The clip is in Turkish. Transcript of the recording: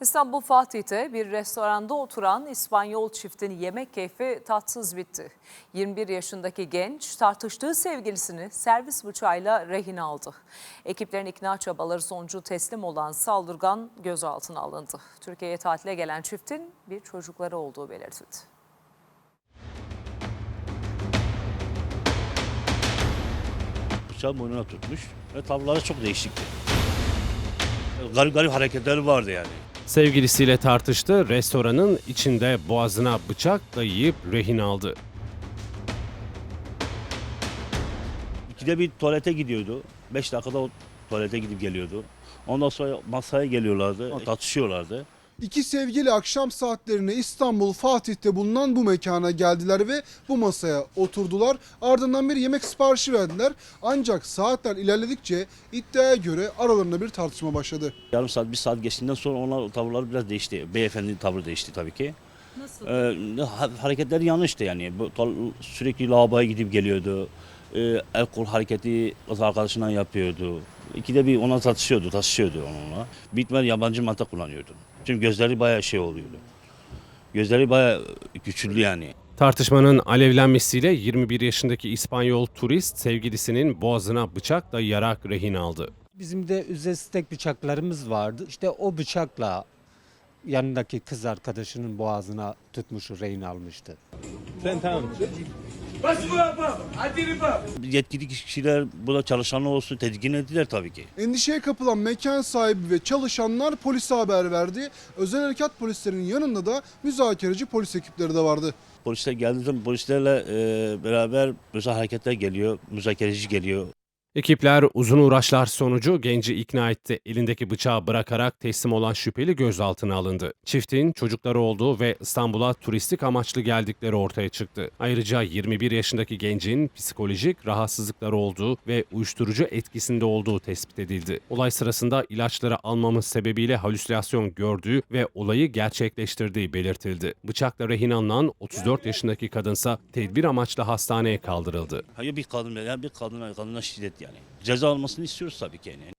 İstanbul Fatih'te bir restoranda oturan İspanyol çiftin yemek keyfi tatsız bitti. 21 yaşındaki genç tartıştığı sevgilisini servis bıçağıyla rehin aldı. Ekiplerin ikna çabaları sonucu teslim olan saldırgan gözaltına alındı. Türkiye'ye tatile gelen çiftin bir çocukları olduğu belirtildi. Bıçağı boynuna tutmuş ve tavırları çok değişikti. Garip garip hareketleri vardı yani. Sevgilisiyle tartıştı, restoranın içinde boğazına bıçak dayayıp rehin aldı. İkide bir tuvalete gidiyordu. 5 dakikada o tuvalete gidip geliyordu. Ondan sonra masaya geliyorlardı, tartışıyorlardı. İki sevgili akşam saatlerine İstanbul Fatih'te bulunan bu mekana geldiler ve bu masaya oturdular. Ardından bir yemek siparişi verdiler. Ancak saatler ilerledikçe iddiaya göre aralarında bir tartışma başladı. Yarım saat, bir saat geçtiğinden sonra onlar tavırları biraz değişti. Beyefendinin tavrı değişti tabii ki. Nasıl? Hareketleri yanlıştı yani. Sürekli lavaboya gidip geliyordu. El kol hareketi kız arkadaşından yapıyordu. İkide bir ona taşışıyordu onunla. Bitmeden yabancı madde kullanıyordu. Çünkü gözleri bayağı şey oluyordu. Gözleri bayağı güçlü yani. Tartışmanın alevlenmesiyle 21 yaşındaki İspanyol turist sevgilisinin boğazına bıçak dayayarak rehin aldı. Bizim de ücretsiz tek bıçaklarımız vardı. İşte o bıçakla yanındaki kız arkadaşının boğazına tutmuş, rehin almıştı. Yetkili kişiler, burada çalışanlar olsun tedirgin ettiler tabii ki. Endişeye kapılan mekan sahibi ve çalışanlar polise haber verdi. Özel harekat polislerinin yanında da müzakereci polis ekipleri de vardı. Polisler geldiği zaman polislerle beraber özel hareketler geliyor, müzakereci geliyor. Ekipler uzun uğraşlar sonucu genci ikna etti. Elindeki bıçağı bırakarak teslim olan şüpheli gözaltına alındı. Çiftin çocukları olduğu ve İstanbul'a turistik amaçlı geldikleri ortaya çıktı. Ayrıca 21 yaşındaki gencin psikolojik rahatsızlıkları olduğu ve uyuşturucu etkisinde olduğu tespit edildi. Olay sırasında ilaçları almamız sebebiyle halüsinasyon gördüğü ve olayı gerçekleştirdiği belirtildi. Bıçakla rehin alınan 34 yaşındaki kadınsa tedbir amaçlı hastaneye kaldırıldı. Hayır bir kadına şiddet yani. Ceza almasını istiyoruz tabii ki yani.